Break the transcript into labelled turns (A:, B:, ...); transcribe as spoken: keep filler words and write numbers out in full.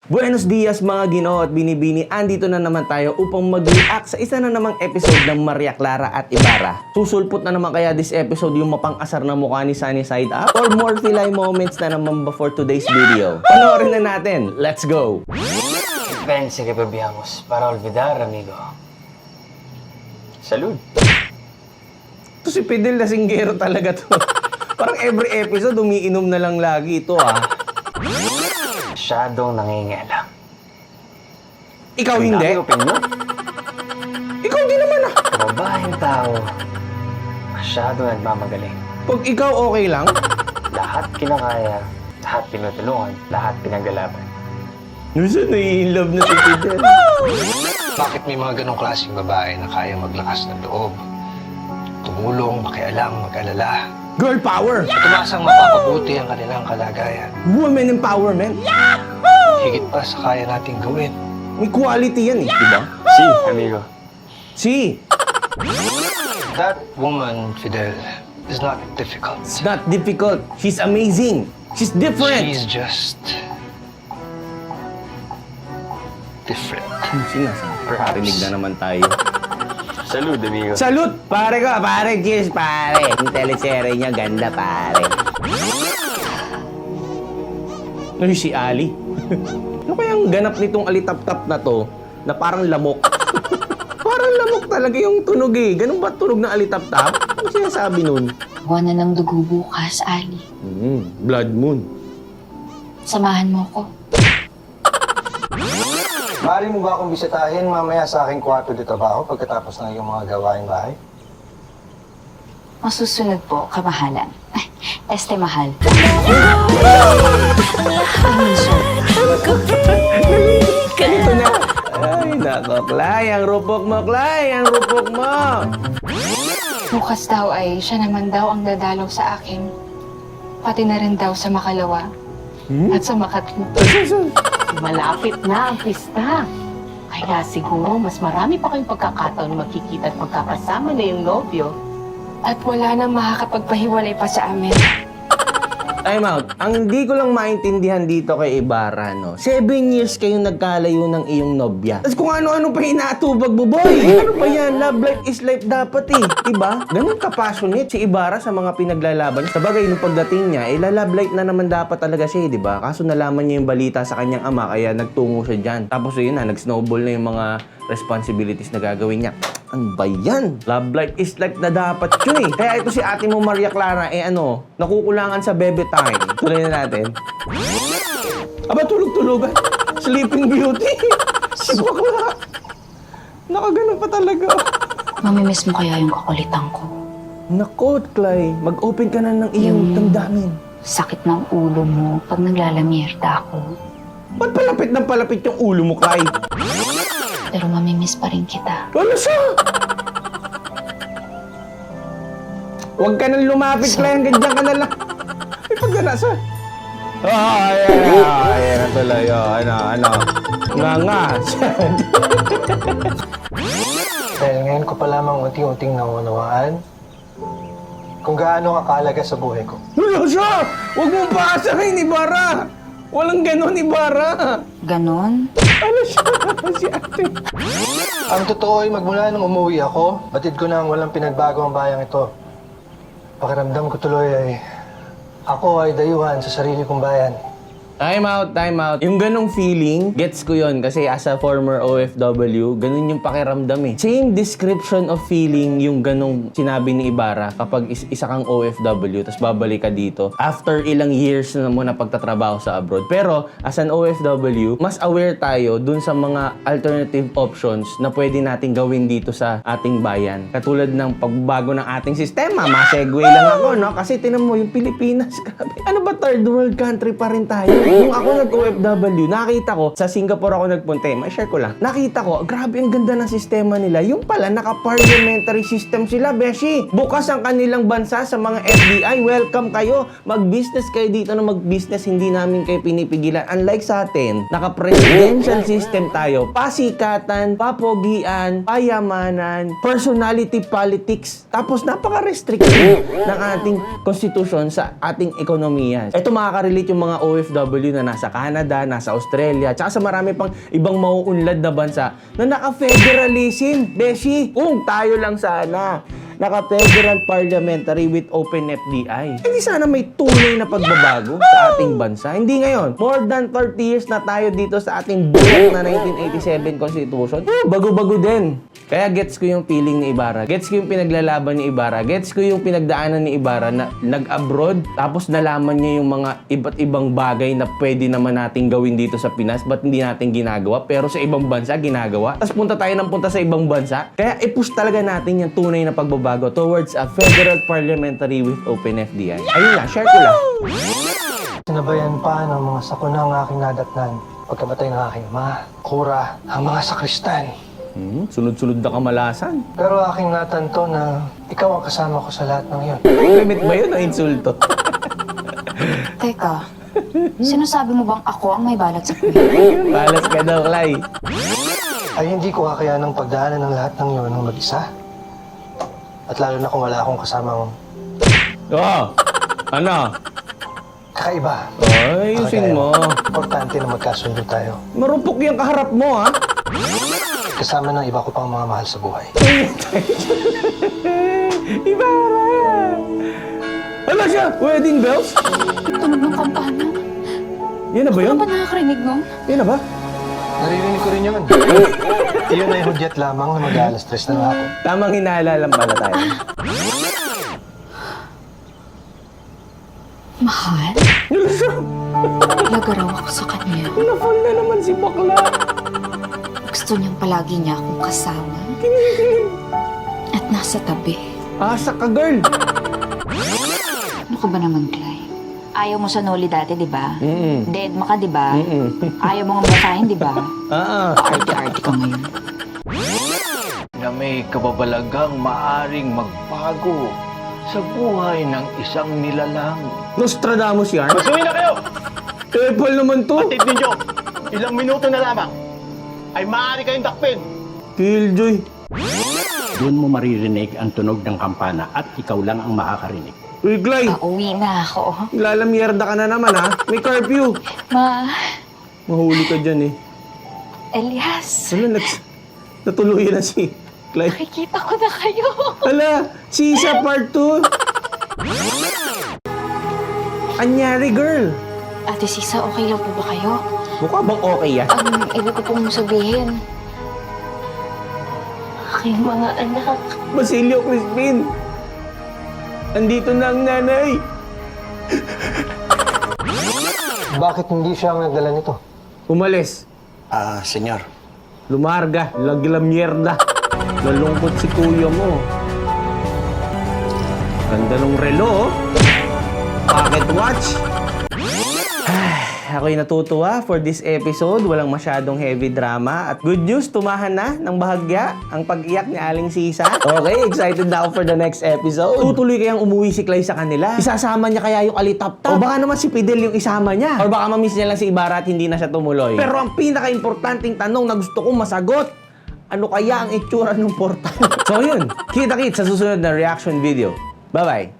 A: Buenos dias mga Ginoo at Binibini, andito na naman tayo upang mag-react sa isa na namang episode ng Maria Clara at Ibarra. Susulpot na naman kaya this episode yung mapang-asar na mukha ni Sunny Side Up? Or more Filay moments na naman before today's video? Panoorin na natin, let's go!
B: Pense que bebíamos para olvidar, amigo. Salud.
A: Ito si Fidel Lasinggero talaga to. Parang every episode umiinom na lang lagi ito ah.
B: Masyadong nangingialam.
A: Ikaw hindi?
B: Ang opinion?
A: Ikaw hindi naman ah.
B: Mabahing tao. Masyadong nagmamagaling.
A: Pag ikaw okay lang?
B: Lahat kinakaya, lahat pinutulungan, lahat pinagalaban.
A: Nusa nai-love na si Fidel.
C: Bakit may mga ganong klaseng babae na kaya maglakas ng loob? Tumulong, makialam, mag-alala.
A: Girl power!
C: Tumasang mapapabuti ang kanilang kalagayan.
A: Woman empowerment!
C: Higit pa sa kaya nating gawin.
A: May quality yan eh, di ba?
B: Si, amigo.
A: Si!
C: That woman, Fidel, is not difficult.
A: It's not difficult. She's amazing. She's different.
C: She's just... different.
A: Yung sinasabi. Parinig na naman tayo.
B: Salud, amigo.
A: Salute! Pare ko, pare. Cheers, pare. Yung teleserye niya, ganda, pare. Ano si Ali? Ano kayang ganap nitong alitap-tap na to na parang lamok? Parang lamok talaga yung tunog eh. Ganun ba tunog ng alitap-tap? Ano sinasabi nun?
D: Buwan na ng dugo bukas, Ali.
A: Hmm, blood moon.
D: Samahan mo ko.
E: Maaari mo ba akong bisitahin mamaya sa aking kwarto de trabaho pagkatapos ng iyong mga gawaing bahay?
D: Masusunod po, kamahalan. Ay, este mahal.
A: Ito na. Ay, nako, Clay. Ang rupok mo, Clay. Ang rupok mo.
D: Bukas daw ay siya naman daw ang dadalaw sa akin. Pati na rin daw sa makalawa. At sa makatlo.
F: Malapit na ang pista. Kaya siguro mas marami pa kayong pagkakataon magkikita at magkakasama na yung nobyo.
D: At wala nang makakapagpahiwalay pa sa amin.
A: Time out. Ang hindi ko lang maintindihan dito kay Ibarra, no? Seven years kayong nagkalayo ng iyong nobya. Tapos kung ano-ano pa hinatubag mo, boy! Ano ba yan? Love life is life dapat eh. Diba? Ganun ka-passionate si Ibarra sa mga pinaglalaban. Sa bagay, nung pagdating niya, eh, love life na naman dapat talaga siya, eh, diba? Kaso nalaman niya yung balita sa kanyang ama, kaya nagtungo siya dyan. Tapos yun na, nag-snowball na yung mga responsibilities na gagawin niya. Ano ba yan? Love life is life na dapat yun eh. Kaya ito si ate mo Maria Clara, eh ano, nakukulangan sa bebe time. Tuloy na natin. Aba, tulog-tulogan. Sleeping Beauty. Si bakla. Nakaganon pa talaga.
D: Mamimiss mo kaya yung kakulitan ko.
A: Nako, Clay. Mag-open ka na ng iyong
D: Yung-
A: damdamin.
D: Sakit ng ulo mo pag naglalamierda ako.
A: Ba't palapit ng palapit yung ulo mo, Clay?
D: Pero mamimiss pa rin kita.
A: Ano siya? Huwag ka nang lumapit, Clay. Hanggang dyan ka na lang. Ay, pag gana sa... Ah, ayan na. Ayan na tuloy. Oh, ano, ano. Nga nga.
E: Dahil ngayon ko pa lamang unti-unting naunawaan kung gaano kakalaga sa buhay ko.
A: Ano siya? Huwag mong paasahin, Ibarra. Walang ganon, Ibarra.
D: Ganon?
A: Ano siya? Si ate.
E: Ang totoo ay magmula nung umuwi ako, batid ko na ang walang pinagbago ang bayang ito. Pakiramdam ko tuloy ay ako ay dayuhan sa sarili kong bayan.
A: Time out, time out. Yung ganong feeling, gets ko yon kasi as a former O F W, ganun yung pakiramdam eh. Same description of feeling yung ganong sinabi ni Ibarra kapag is isa kang O F W tapos babalik ka dito after ilang years na mo na pagtatrabaho sa abroad. Pero as an O F W, mas aware tayo dun sa mga alternative options na pwede nating gawin dito sa ating bayan. Katulad ng pagbago ng ating sistema. Ma-segue lang ako, no? Kasi tinan mo, yung Pilipinas, grabe. Ano ba third world country pa rin tayo? Nung ako nag-O F W, nakita ko, sa Singapore ako nagpunta, eh, ma-share ko lang. Nakita ko, grabe ang ganda ng sistema nila. Yung pala, naka-parliamentary system sila, beshi. Bukas ang kanilang bansa sa mga F D I. Welcome kayo. Mag-business kayo dito na mag-business. Hindi namin kayo pinipigilan. Unlike sa atin, naka-presidential system tayo. Pasikatan, papogian, payamanan, personality politics. Tapos napaka-restrictive ng ating constitution sa ating ekonomiya. Ito makaka-relate yung mga O F W W na nasa Canada, nasa Australia, tsaka sa marami pang ibang mauunlad na bansa na naka-federalism, beshi. Kung tayo lang sana naka-federal parliamentary with open F D I. Hindi sana may tunay na pagbabago sa ating bansa. Hindi ngayon. More than thirty years na tayo dito sa ating buhat na nineteen eighty-seven Constitution. Bago-bago din. Kaya gets ko yung feeling ni Ibarra. Gets ko yung pinaglalaban ni Ibarra. Gets ko yung pinagdaanan ni Ibarra na nag-abroad tapos nalaman niya yung mga iba't ibang bagay na pwede naman nating gawin dito sa Pinas ba't hindi natin ginagawa pero sa ibang bansa ginagawa. Tapos punta tayo ng punta sa ibang bansa. Kaya i-push talaga natin yung tunay na pagbabago towards a federal parliamentary with open F D I. Ayun lang, share ko lang.
E: Sinabayan pa ng mga sakuna ang aking nadatnan. Pagkamatay ng aking ama, kura, ang mga sakristan.
A: Hmm, sunod-sunod na kamalasan.
E: Pero aking natanto na ikaw ang kasama ko sa lahat ng iyon.
A: Limit ba yun o insulto?
G: Teka, sinasabi mo bang ako ang may balat sa kuya?
A: Balas ka daw, Clay.
E: Ay hindi ko kakayanang pagdaanan ng lahat ng iyon ng mag-isa. At lalo na kung wala akong kasamang
A: Oh, ano?
E: kakaiba.
A: Ay, ayusin mo.
E: Importante na magkasundo tayo.
A: Marupok yung kaharap mo, ha?
E: Kasama ng iba ko pang mga mahal sa buhay.
A: Ibarra! Ano siya? Wedding bells?
D: Tunog ng kampana.
A: Yan na ba yun?
D: Ano ba nakakarinig nun?
A: Yan na ba?
E: Naririnig ko rin yun. Iyon ay hudyat lamang na mag-aalas tres na hapon.
A: Tamang hinala lang pala tayo.
D: Mahal? Nagaraw ako sa kanya.
A: Na-fall na naman si bakla.
G: Gusto niyang palagi niya akong kasama. At nasa tabi.
A: Asa ka, girl.
G: Ano ka ba naman, Clay? Ayaw mo sa Noli dati, di ba?
A: Mm-mm.
G: Dead ma ka, di ba?
A: Mm-mm.
G: Ayaw mo nga basahin, di ba?
A: Ah,
G: Arte-arte ka ngayon.
H: Na may kababalagang maaring magbago sa buhay ng isang nilalang.
A: Nostradamus yan?
H: Magsuwi na kayo!
A: Apple naman to.
H: Atid ninyo! Ilang minuto na lamang ay maaari kayong dakpin!
A: Killjoy.
I: Doon mo maririnig ang tunog ng kampana at ikaw lang ang makakarinig.
A: Uy, Clay.
G: Pauwi na ako.
A: Lalamierda ka na naman, ha? May curfew.
G: Ma,
A: Mahuli ka dyan, eh.
G: Elias,
A: Wala, nags... Natuluyan na si Clay.
G: nakikita ko na kayo.
A: Hala, Sisa part two. Anyari, girl.
G: Ate Sisa, okay lang po ba kayo?
A: Mukha bang okay yan?
G: Ang ibig ko pong sabihin, aking mga anak.
A: Basilio Crispin. Andito na ang nanay.
E: Bakit hindi siya ang nagdala nito?
A: Umalis.
C: Ah, senyor.
A: Lumarga. Lagla mierda. Nalungkot si kuya mo. Ganda nung relo, oh. Pocket watch. Ay, ako'y natutuwa for this episode. Walang masyadong heavy drama. At good news, tumahan na ng bahagya ang pag-iyak ni Aling Sisa. Okay, excited na ako for the next episode. Tutuloy kayang umuwi si Clay sa kanila. Isasama niya kaya yung alitap-tap. O baka naman si Fidel yung isama niya. Or baka mamiss niya lang si Ibarra at hindi na siya tumuloy. Pero ang pinaka-importanting tanong na gusto kong masagot, ano kaya ang itsura ng portal? So yun, kita-kits sa susunod na reaction video. Bye-bye!